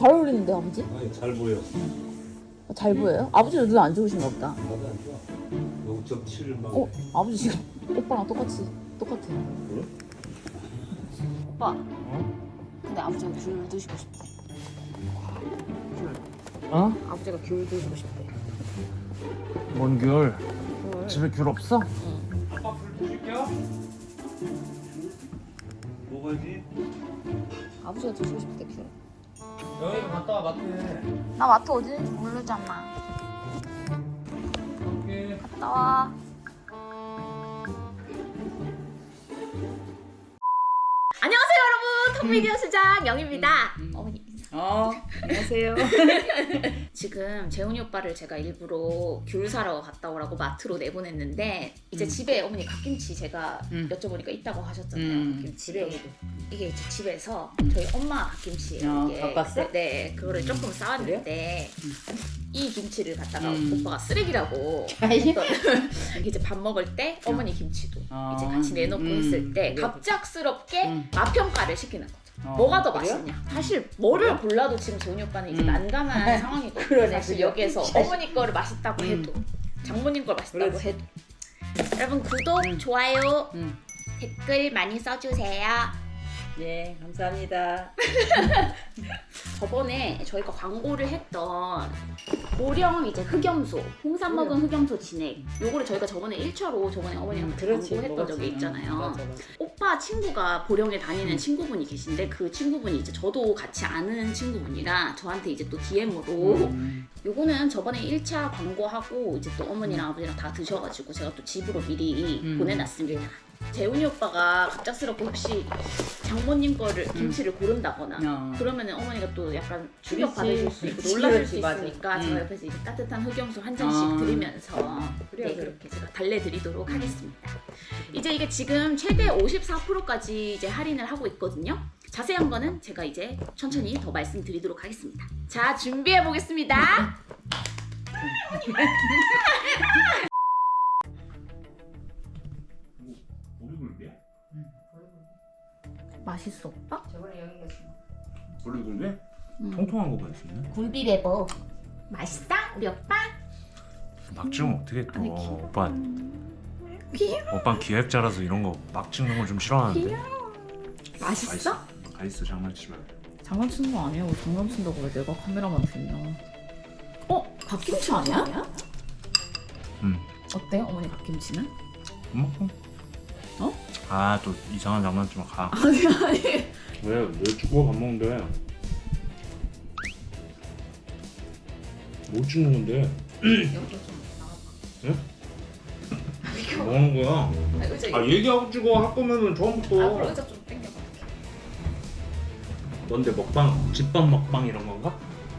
잘 어울리는데 아버지? 아니 잘 보여. 잘 보여요? 아버지도 눈 안 좋으신가 보다. 나도 안 좋아. 0.7만. 어? 아버지 지금 오빠랑 똑같아요. 그래? 오빠. 근데 아버지가 귤 드시고 싶대. 어? 아버지가 귤 드시고 싶대. 뭔 귤? 집에 귤 없어? 응. 아빠 불 드실게요. 먹어야지. 아버지가 드시고 싶대 귤. 여기 갔다 와 마트에. 나 마트 어디는지 모르잖아. 갈게. 갔다 와. 안녕하세요 여러분. 톡비디오 수장 영입니다. 어머니. 안녕하세요. 지금 재훈이 오빠를 제가 일부러 귤 사러 갔다 오라고 마트로 내보냈는데 이제 집에 어머니 갓김치 제가 여쭤보니까 있다고 하셨잖아요. 갓김치. 이게 이제 집에서 저희 엄마 갓김치예요. 이게. 갖고 왔어? 네, 그거를 조금 쌓았는데 이 김치를 갖다가 오빠가 쓰레기라고 아이. 했던 이게 이제 밥 먹을 때 어머니 김치도 어. 이제 같이 내놓고 했을 때 그래. 갑작스럽게 맛평가를 시키는 거죠. 어, 뭐가 더 그래요? 맛있냐? 사실 뭐를 골라도 지금 재훈이 오빠는 이제 난감한 상황이거든요. 그러네, 사실 그래요? 여기에서 어머니 거를 맛있다고 해도 장모님 걸 맛있다고 그렇지. 해도 여러분 구독, 좋아요, 음. 댓글 많이 써주세요. 네, 감사합니다. 저번에 저희가 광고를 했던 고령 이제 흑염소, 홍삼 먹은 흑염소 진액 요거를 저희가 저번에 1차로 저번에 어머니랑 광고했던 적이 있잖아요. 맞아. 오빠 친구가 보령에 다니는 친구분이 계신데 그 친구분이 이제 저도 같이 아는 친구분이라 저한테 이제 또 DM으로 요거는 저번에 1차 광고하고 이제 또 어머니랑 아버지랑 다 드셔가지고 제가 또 집으로 미리 보내놨습니다. 재훈이 오빠가 갑작스럽게 혹시 장모님 거를 김치를 고른다거나 그러면은 어머니가 또 약간 충격 받으실 수 있고 놀라실 수 맞아. 있으니까 제가 옆에서 이제 따뜻한 흑염소 한 잔씩 드리면서 그래, 네, 그래. 그렇게 제가 달래드리도록 하겠습니다. 이제 이게 지금 최대 54%까지 이제 할인을 하고 있거든요. 자세한 거는 제가 이제 천천히 더 말씀드리도록 하겠습니다. 자, 준비해 보겠습니다. 보리굴비야? 맛있어, 오빠? 저번에 여기 계신 보리굴비? 통통한 거 맛있네. 굴비레버 맛있다, 우리 오빠? 막 찍으면 어떻게 또 아니, 오빠 귀여워. 오빠 기획자라서 이런 거 막 찍는 거 좀 싫어하는데. 맛있어? 맛있어 장난치지 마. 장난치는 거 아니야. 장난친다고 왜 내가 카메라만 들냐. 어? 갓김치 아니야? 어때? 어머니 갓김치는? 먹고. 어? 아 또 이상한 장난치면 가. 아니. 왜 죽어 밥 먹는데? 뭐 찍는 건데? 여기 좀 예? 뭐 하는 거야? 의자 아 얘기하고 찍어 할 거면은 그럼 처음부터. 의자 좀 당겨봐. 뭔데 먹방? 집밥 먹방 이런 건가?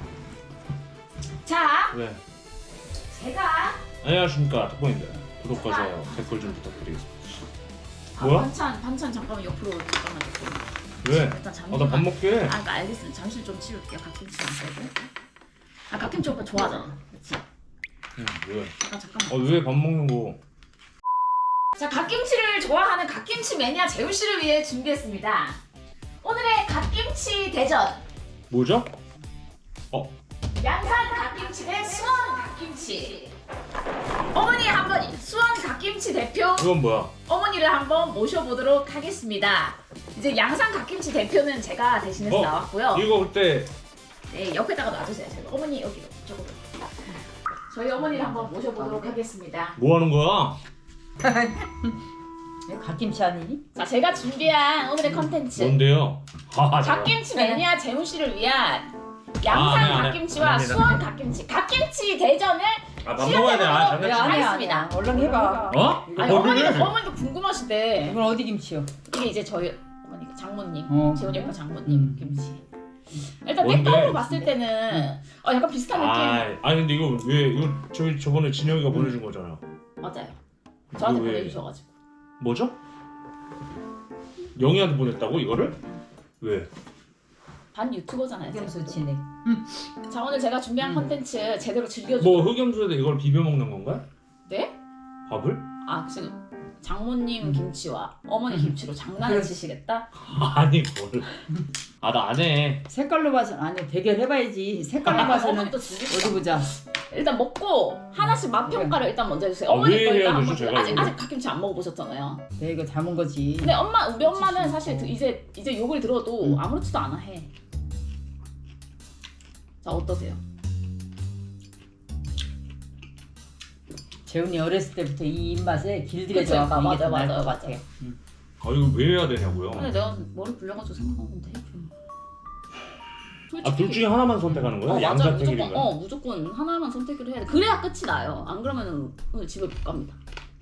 자, 왜? 제가 안녕하십니까 덕분인데 구독과 좋아요 댓글 좀 부탁드리겠습니다. 아, 뭐야? 반찬 잠깐만 옆으로 잠깐만 좀. 왜? 일단 잠시만. 나 밥 먹게. 아, 그러니까 알겠습니다. 잠시 좀 치울게요. 갓김치 안 빼고. 아, 갓김치 오빠 좋아하잖아. 그렇지? 응, 왜? 아, 잠깐만. 왜 밥 먹는 거? 자, 갓김치를 좋아하는 갓김치 매니아 재훈 씨를 위해 준비했습니다. 오늘의 갓김치 대전. 뭐죠? 양산 갓김치 대 수원 갓김치. 어머니 한번 수원 갓김치 대표 이건 뭐야? 어머니를 한번 모셔보도록 하겠습니다. 이제 양산 갓김치 대표는 제가 대신해서 나왔고요. 이거 그때 네, 옆에다가 놔주세요. 제가 어머니 여기로 저거로. 저희 어머니를 한번 모셔보도록 하겠습니다. 뭐 하는 거야? 갓김치 아니니? 자, 제가 준비한 오늘의 컨텐츠. 뭔데요? 갓김치 매니아 재훈 씨를 위한 양산 안 해, 안 해. 갓김치와 안 해, 안 해. 수원 갓김치. 갓김치 대전을 밥 먹어야 돼. 아, 시작해보도록 장난치지. 하겠습니다. 얼른 해봐. 어? 아니, 뭐 그래? 어머니도 궁금하시대. 이건 어디 김치요? 이게 이제 저희 어머니 장모님, 재훈이 오빠 장모님 김치. 일단 뭔데? 땡떡으로 봤을 때는 약간 비슷한 느낌. 아니 근데 이거 왜 이거 저번에 진영이가 보내준 거잖아. 맞아요. 저한테 이거 왜? 보내주셔가지고. 뭐죠? 영희한테 보냈다고 이거를? 왜? 반 유튜버잖아요. 흑염소 진액. 자, 오늘 제가 준비한 컨텐츠 제대로 즐겨주고. 뭐 흑염소에다 이걸 비벼 먹는 건가? 네? 밥을? 아, 지금 장모님 김치와 어머니 김치로 장난을 치시겠다? 아니 뭘? 아 나 안 해. 색깔로 봐서는 아니 대결해봐야지. 색깔로 봐서는 어머니도 진짜 어디 보자. 일단 먹고 하나씩 맛 평가를 일단 먼저 해주세요. 아, 어머니 왜 거 일단 해야 한번 되죠, 제가 아직 이거? 갓김치 안 먹어보셨잖아요. 내가 이거 담은 거지. 근데 우리 엄마는 사실 이제 욕을 들어도 아무렇지도 않아 해. 자 어떠세요? 재훈이 어렸을 때부터 이 입맛에 길들여져 그쵸, 갖고 이게 더 맞아, 나을 것 맞아. 같아. 아 이거 왜 해야 되냐고요? 근데 내가 머리 굴려가지고 생각하면 돼 좀. 아 둘 중에 하나만 선택하는 거야? 맞아 양자택일인가? 무조건 하나만 선택을 해야 돼. 그래야 끝이 나요. 안 그러면은 오늘 집에 못 갑니다.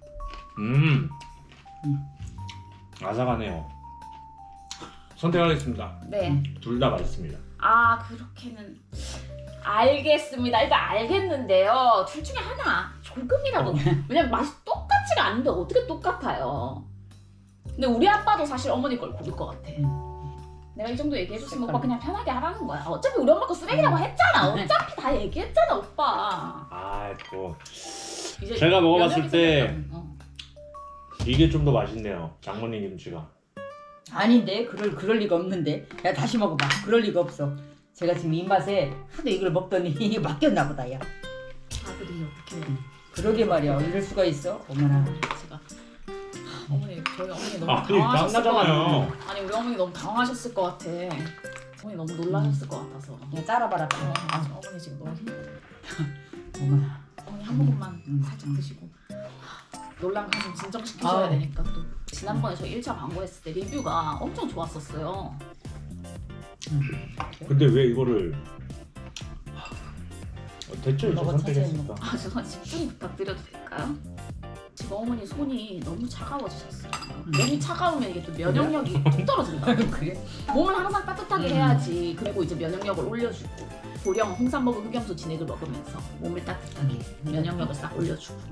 아삭하네요. 선택하겠습니다. 네. 둘 다 맛있습니다. 아 그렇게는 알겠습니다. 일단 알겠는데요. 둘 중에 하나 조금이라도 왜냐면 맛이 똑같지가 않은데 어떻게 똑같아요. 근데 우리 아빠도 사실 어머니 걸 고를 것 같아. 내가 이 정도 얘기해줬으면 오빠 그냥 편하게 하라는 거야. 어차피 우리 엄마 거 쓰레기라고 했잖아. 어차피 다 얘기했잖아 오빠. 아 또 이제 제가 먹어봤을 면역이 때 생겼다면, 이게 좀 더 맛있네요. 장모님 김치가. 아닌데 그럴 리가 없는데. 야 다시 먹어봐. 그럴 리가 없어. 제가 지금 입맛에 하도 이걸 먹더니 이게 맡겼나 보다 야. 아들이 어떻게 그러게 말이야. 이럴 수가 있어. 어머나. 제가 어머니 저희 어머니 너무 아 당황하셨을 것 같아. 땀나잖아요. 아니 우리 어머니 너무 당황하셨을 것 같아. 어머니 너무 놀라셨을 것 같아서. 야 짜라봐라. 어머니 지금 너무 힘들어. 어머나. 어머니 한 모금만 음. 살짝 드시고 놀란 가슴 진정시키셔야 아우. 되니까 또 지난번에 저 1차 광고했을 때 리뷰가 엄청 좋았었어요. 근데 왜 이거를 됐죠 이제 먹어, 선택했으니까. 아 죄송한데 집중 부탁드려도 될까요? 지금 어머니 손이 너무 차가워지셨어요. 몸이 차가우면 이게 또 면역력이 뚝 떨어진다. 그래? 몸을 항상 따뜻하게 해야지. 그리고 이제 면역력을 올려주고 고령 홍삼먹은 흑염소 진액을 먹으면서 몸을 따뜻하게 면역력을 싹 올려주고.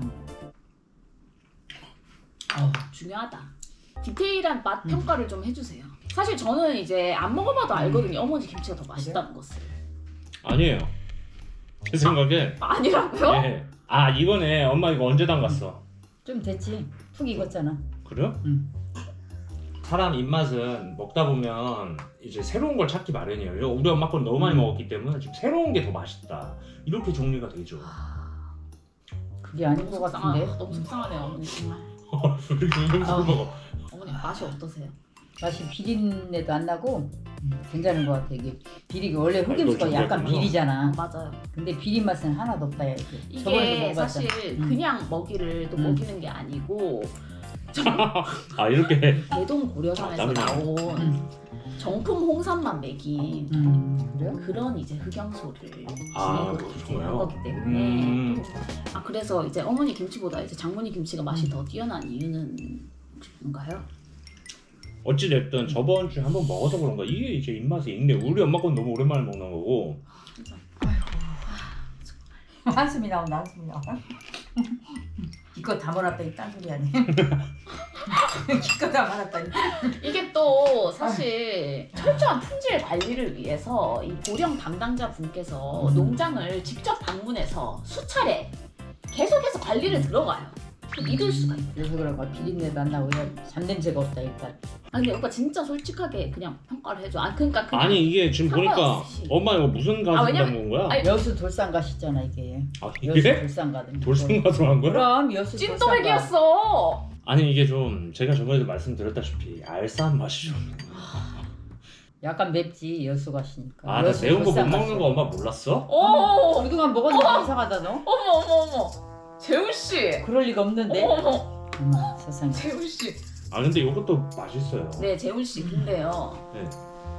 중요하다. 디테일한 맛 평가를 좀 해주세요. 사실 저는 이제 안 먹어봐도 알거든요. 어머니 김치가 더 맛있다는 것을. 아니에요. 제 생각에. 아니라고요? 예. 아 이거네. 엄마 이거 언제 담갔어? 좀 됐지. 푹 익었잖아. 그래요? 응. 사람 입맛은 먹다 보면 이제 새로운 걸 찾기 마련이에요. 우리 엄마 건 너무 많이 먹었기 때문에 지금 새로운 게 더 맛있다. 이렇게 정리가 되죠. 그게 아닌 것 같은데. 너무 속상하네요 어머니 정말. 왜 이렇게 음식을 먹어? 어머니 맛이 어떠세요? 맛이 비린내도 안 나고 괜찮은 것 같아. 이게 비리가 원래 이걸 흑임수가 약간 준비했군요. 비리잖아. 맞아요. 근데 비린 맛은 하나도 없다 야 이게. 저번에도 이게 먹어봤잖아. 사실 그냥 먹이를 또 먹이는 게 아니고 아 이렇게. 대동 고려산에서 아, 나온 정품 홍삼만 먹인 그래요? 그런 이제 흑염소를 아, 진행으로 이렇게 그렇구나요? 한 거기 때문에 음. 아 그래서 이제 어머니 김치보다 이제 장모님 김치가 맛이 더 뛰어난 이유는 뭔가요? 어찌 됐든 저번 주에 한번 먹어서 그런가 이게 이제 입맛에 익네. 우리 엄마 건 너무 오랜만에 먹는 거고. 한숨이 나온다. 한숨이 나와. 기껏 담아놨더니 딴 소리 하네. 기껏 담아놨더니. 이게 또 사실 철저한 품질 관리를 위해서 이 보령 담당자 분께서 농장을 직접 방문해서 수차례 계속해서 관리를 들어가요. 믿을 수가 있어요. 그래서 그런가 비린내도 안 나고 그냥 잡냄새가 없다 일단. 아니 근데 오빠 진짜 솔직하게 그냥 평가를 해줘. 아 그러니까 그냥 아니 이게 지금 보니까 상관없이. 엄마 이거 무슨 가수 왜냐면- 담은 거야? 아니, 여수 돌산가시잖아 이게. 아 여수 이게? 돌산가든. 돌산 가수 한 거야? 그럼 여수 돌산가. 찐또백이었어. 아니 이게 좀 제가 저번에도 말씀드렸다시피 알싸한 맛이 좀. 약간 맵지 여수 가시니까. 아 나 여수 매운 거 못 돌산 먹는 가시. 거 엄마 몰랐어? 오, 그동안 먹었는데 이상하다 너? 어머. 재훈 씨. 그럴 리가 없는데. 어머. 세상에. 재훈 씨. 아 근데 이것도 맛있어요. 네, 재훈 씨. 근데요. 네.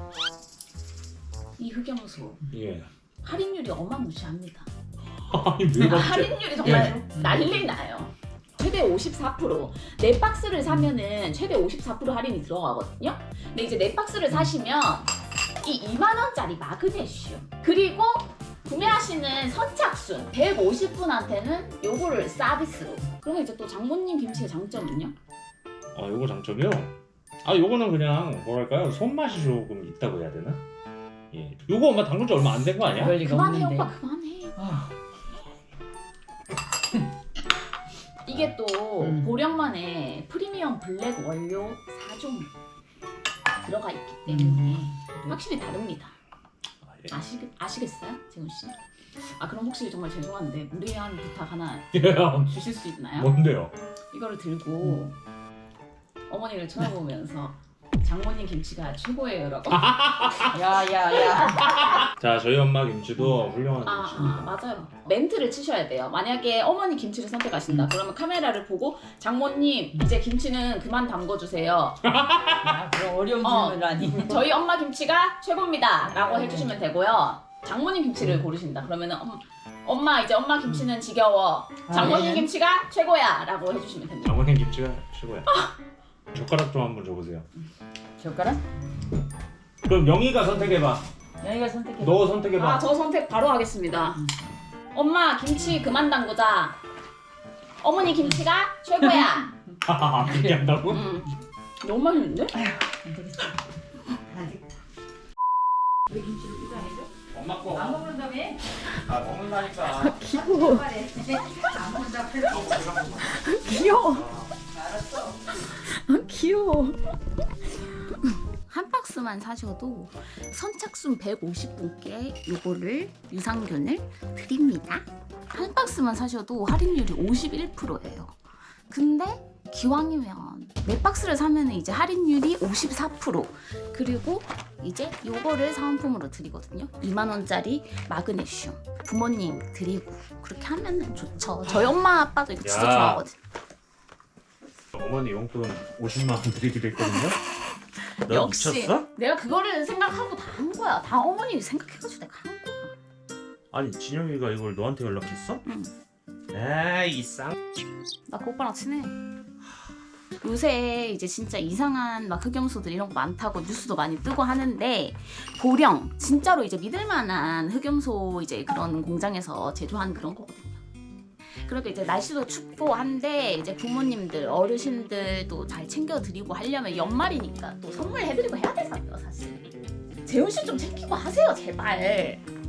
이 흑염소 예. 할인율이 어마무시합니다. 아니 왜 갑자기? 할인율이 정말 난리 나요. 최대 54%. 네 박스를 사면은 최대 54% 할인이 들어가거든요. 근데 이제 네 박스를 사시면 이 2만 원짜리 마그네슘 그리고 구매하시는 선착순 150분한테는 요거를 서비스로. 그러면 이제 또 장모님 김치의 장점은요? 아 요거 장점이요? 아 요거는 그냥 뭐랄까요 손맛이 조금 있다고 해야 되나? 예. 요거 엄마 담근 지 얼마 안 된 거 아니야? 그럴 리가 그만해 없는데. 오빠 그만해. 아, 이게 이게 또 보령만의 프리미엄 블랙 원료 4종 들어가 있기 때문에 확실히 다릅니다. 예. 아시겠어요, 재훈 씨? 아 그럼 혹시 정말 죄송한데 무리한 부탁 하나 주실 수 있나요? 뭔데요? 이거를 들고 어머니를 쳐다보면서 장모님 김치가 최고예요라고. 야야야. 자 저희 엄마 김치도 훌륭한 김치입니다. 맞아요. 멘트를 치셔야 돼요. 만약에 어머니 김치를 선택하신다. 그러면 카메라를 보고 장모님 이제 김치는 그만 담궈주세요. 야, 그럼 어려운 질문을 하니. 저희 엄마 김치가 최고입니다.라고 해주시면 되고요. 장모님 김치를 고르신다. 그러면은 엄마 이제 엄마 김치는 지겨워. 장모님 네. 김치가 최고야라고 해주시면 됩니다. 장모님 김치가 최고야. 젓가락 좀 한번 줘보세요. 젓가락? 그럼 영희가 선택해봐. 여기가 선택해. 너 선택해봐. 저 선택 바로 하겠습니다. 엄마 김치 그만 담그자. 어머니 김치가 최고야. 그렇게 한다고? 너무 맛있는데? 안 되겠어. 우리 김치를 누가 해줘? 엄마 거. 안 먹는다며? 아 먹는다니까. 귀여워. 안 먹는다고. 귀여워. 알았어. 귀여워. 한 박스만 사셔도 선착순 150분께 요거를 유산균을 드립니다. 한 박스만 사셔도 할인율이 51%예요. 근데 기왕이면 네 박스를 사면 이제 할인율이 54%. 그리고 이제 요거를 사은품으로 드리거든요. 2만원짜리 마그네슘 부모님 드리고 그렇게 하면 좋죠. 저희 엄마 아빠도 이거 진짜 야. 좋아하거든요. 어머니 용돈 50만 원 드리기로 했거든요. 너 역시 미쳤어? 내가 그거를 생각하고 다 한 거야. 다 어머니 생각해가지고 내가 한 거야. 아니 진영이가 이걸 너한테 연락했어? 응. 에이 쌍. 나 그 오빠랑 친해. 요새 이제 진짜 이상한 막 흑염소들 이런 거 많다고 뉴스도 많이 뜨고 하는데 보령 진짜로 이제 믿을만한 흑염소 이제 그런 공장에서 제조한 그런 거거든요. 그리고 이제 날씨도 춥고 한데 이제 부모님들 어르신들도 잘 챙겨드리고 하려면 연말이니까 또 선물해드리고 해야 되잖아요 사실. 재훈 씨 좀 챙기고 하세요 제발.